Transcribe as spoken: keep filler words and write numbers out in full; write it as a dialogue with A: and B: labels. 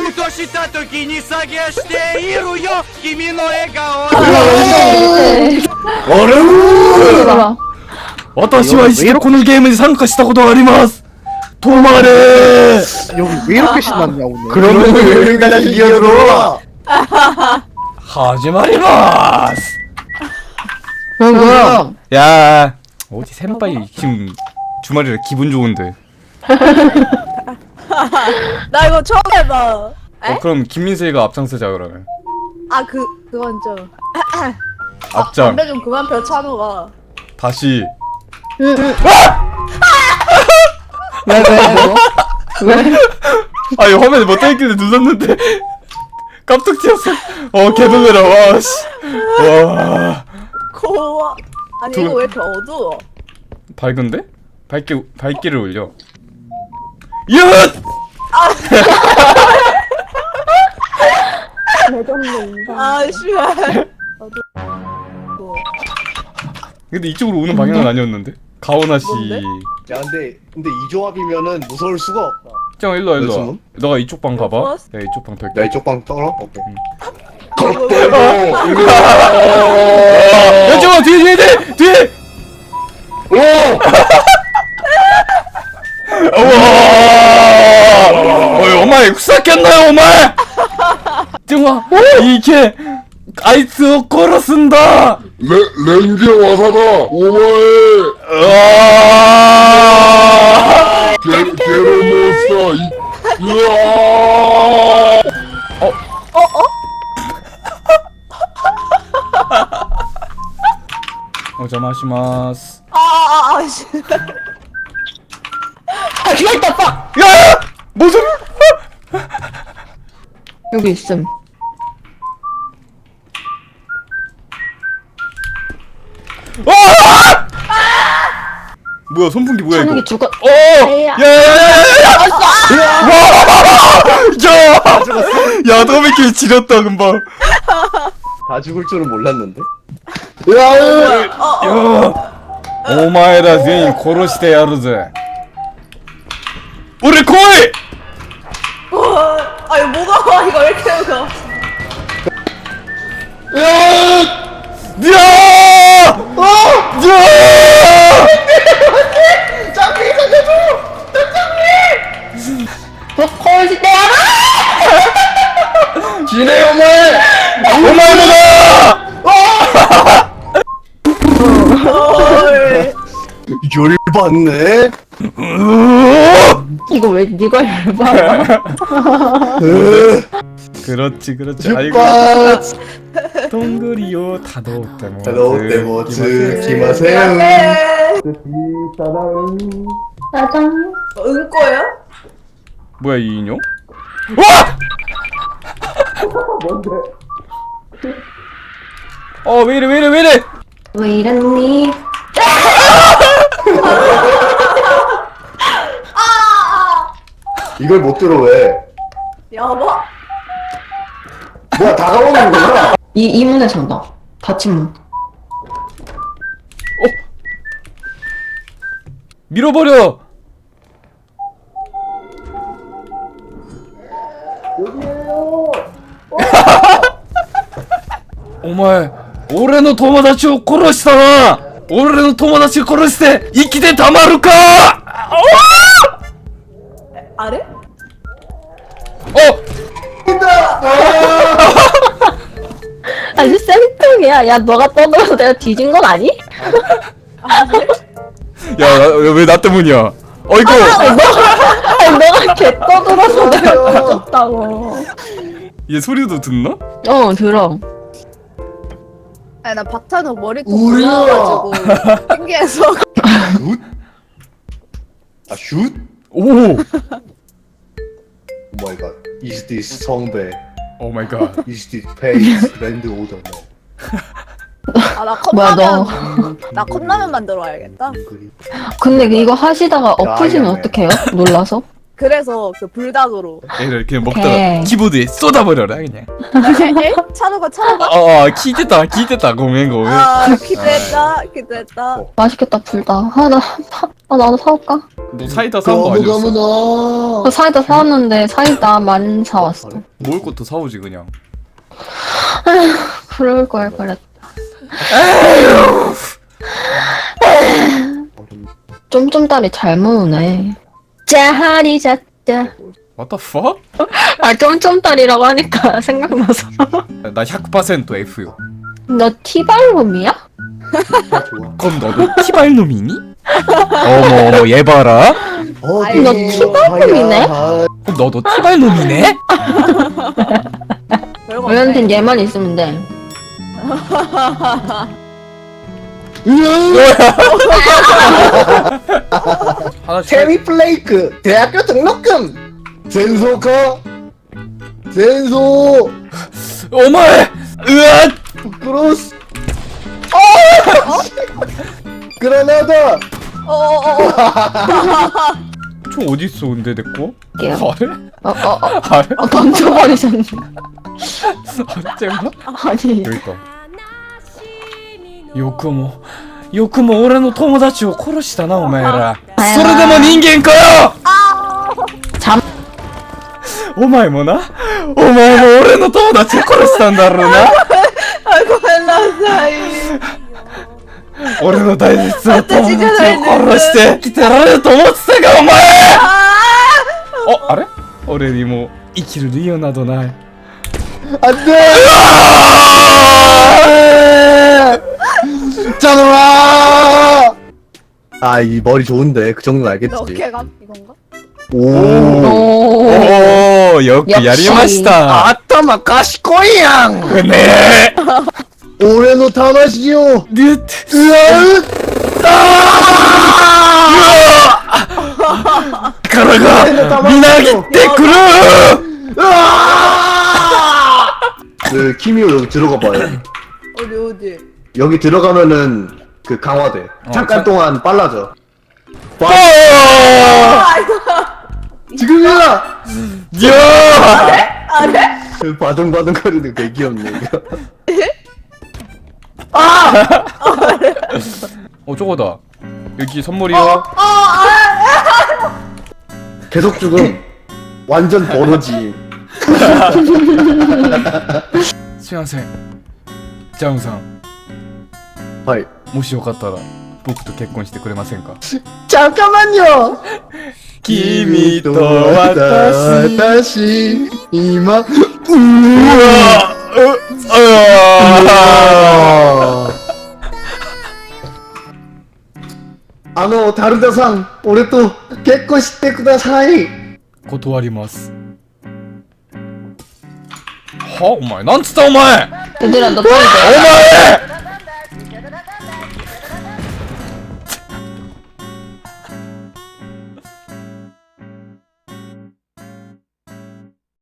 A: ふとした時に探しているよ君の笑顔
B: あれ私は一度このゲームに参加したことがあります。止まれー
C: 여기 왜 이렇게 신났냐 오늘.
B: 그러면 여기까지 기어들어. 하지 마리마스.
C: 뭐야?
B: 야 어디 센파이 지금 주말이라 기분 좋은데.
D: 나 이거 처음 해봐.
B: 어 그럼 김민세가 앞장서자 그러면.
D: 아 그 그건 좀.
B: 앞장.
D: 담배 좀 그만 펴 찬호가.
B: 다시.
C: 왜 왜 뭐? 왜?
B: 아니 화면에 뭐 떠있길래 눌렀는데 깜짝 튀었어. 어 개놀래라 와 씨. 와
D: 고와. 아니
B: 두-
D: 이거 왜 이렇게 어두워?
B: 밝은데? 밝기 밝기를 올려. 얏!
D: 아 씨발. 어두워.
B: 근데 이쪽으로 오는 방향은 아니었는데. 가오나 씨.
D: 뭔데?
E: 야 근데 근데 이 조합이면은 무서울 수가 없다.
B: 짱 일로 와 일로 와.
E: 무슨?
B: 너가 이쪽 방 가봐.
D: 좋았어.
B: 야 이쪽 방
E: 나
B: 뺄게.
E: 이쪽 방 떨어? 오케이.
B: 야 잠깐 뒤에 뒤에 뒤에 뒤에. 우와. 어이 오마이 후사켰나요 오마이. 정말 이게 아이스 걸었습니다.
F: 레, 렌즈 와사다 오마에
B: 으아.
F: 게, 게로모스타 이 으아
B: 오자마시마스.
D: 아아아 아, 씨.
C: 아 죽었다 빡.
B: 야! 무슨?
C: 여기 있음.
B: 아! 뭐야 선풍기 뭐야 이거?
C: 찬욱이 죽어.
B: 어! 야야야야야야! 야! 야 더미끼 지렸다 금방.
E: 다 죽을 줄은 몰랐는데.
B: 야! 오마에라全員 殺してやるぜ. 우리 코이!
D: 어, 아 이거 뭐가 이거 왜 이렇게 무서워?
B: 야! 야! 어! 야!
C: 콜시 때 알아?
B: 지네 오마에! 오마에다!
E: 열받네.
C: 이거 왜 네가 열받아?
B: 그렇지 그렇지. 아이고. 동그리요 다도때모.
E: 다도때모츠 기마세요.
D: 네.
C: 짜잔.
D: 어, 응꼬예요?
B: 뭐야 이 인형? 와! 뭔데? 어 왜이래 왜이래 왜이래?
C: 왜 이랬니?
E: 이걸 못 들어 왜?
D: 여보.
E: 뭐야 다가오는 거야?
C: 이 이 문에 잔다. 닫힌 문.
B: 밀어버려. 오마에 오레노 토모다치を殺したな. 오레노 토모다치を殺して生きてたまるか.
D: 아래?
B: 어!
C: 아니 쌤통이야. 야 너가 떠들어서 내가 뒤진 건 아니?
B: 야, 왜 나 때문이야? 어이구!
C: 아니 너가 개 떠들어서 내가 뒤졌다고.
B: 얘 소리도 듣나?
C: 어 들어.
D: 아니 나 박찬호 머리통
E: 울려.
D: 올라와가지고 신기해서.
E: 슛? 아 슛?
B: 오!
E: 오 마이 갓. Is this 성배?
B: 오 마이 갓.
E: Is this face? 랜드 오더.
D: 아나
C: 뭐야,
D: 컵라면 나 컵라면 만들어 와야겠다.
C: 근데 이거 하시다가
E: 야,
C: 엎으시면
E: 야, 야.
C: 어떡해요? 놀라서?
D: 그래서 그 불닭으로.
B: 얘를 그냥 먹다가
C: 오케이.
B: 키보드에 쏟아버려라 그냥.
D: 에? 차도가 차도가.
B: 어, 어 기대다 기대다 고멘 고멘.
D: 아 기대했다 기대했다.
C: 맛있겠다 불다. 아, 나 사, 아 나도 사올까?
B: 너 사이다 사온 거
F: 가무
B: 아니었어?
F: 가무나.
C: 그 사이다 사왔는데 사이다 만 사왔어.
B: 먹을 것도 사오지 그냥.
C: 그럴 걸 그랬다. 쫌쫌다리 잘 모으네. 짜하리 자짜.
B: What the fuck?
C: 아 쫌쫌다리라고 하니까 생각나서.
B: 나 백 퍼센트 F요.
C: 너 티발롬이야?
B: 그럼 너도 티발놈이니? 어머 어머 얘 봐라.
E: 어디
C: 너 티발놈이네?
B: 그럼 너도 티발놈이네?
D: 별거
C: 우연튼 얘만 있으면 돼.
B: 하나씩.
E: 체리 플레이크 대학교 등록금 젠소카 젠소
B: 어머에. 으앗.
E: 크로스 어 그라나다
D: 어어어.
B: 총 어디 있어 근데 내 거?
C: 게요.
B: 아래?
C: 어어어 어,
B: 아래?
C: 어, 던져버리셨네.
B: 쟤가?
C: 아니.
B: 여기 있다. 요크모 요크모俺の友達を殺したなお前ら。それでも人間かよ。
C: 잠.
B: お前もな。お前も俺の友達を殺したんだろうな。
D: 아이고 헬라사이.
B: 俺の大切な友達を殺して生きてられると思ってたかお前。 어, あれ? 俺にも生きる理由などない.
E: 안돼 짜노라 아이 머리 좋은데 그 정도는 알겠지
D: 어깨감 이건가?
E: 오
C: 오.
B: 오, 요크
C: 역시.
B: 야리마시타.
E: 아따마 가시코이양
B: 네.
E: 올해노 타마시요
B: 네.
E: 으아으
B: 가라가 미나기때くる.
E: 그 키미오 여기 들어가 봐요
D: 어디 어디?
E: 여기 들어가면은 그 강화돼 잠깐
B: 자-
E: 동안 빨라져
B: 어!
E: 지금이야
B: 야!
E: 그 바둥바둥 거리는 되게 귀엽네 이거
B: 어 저거다. 여기 선물이요.
E: 계속 죽음 완전 버러지
B: すいません。ジャムさん、
E: 하이
B: もしよかったら僕と結婚してくれませんか?
E: 잠깐만요
B: 君と私。
E: 私今
B: 우와. 으아.
E: あのタルダさん俺と結婚してください
B: 断ります。はお前なんつったお前。
C: 얘들아 너 빨리 내.
B: お前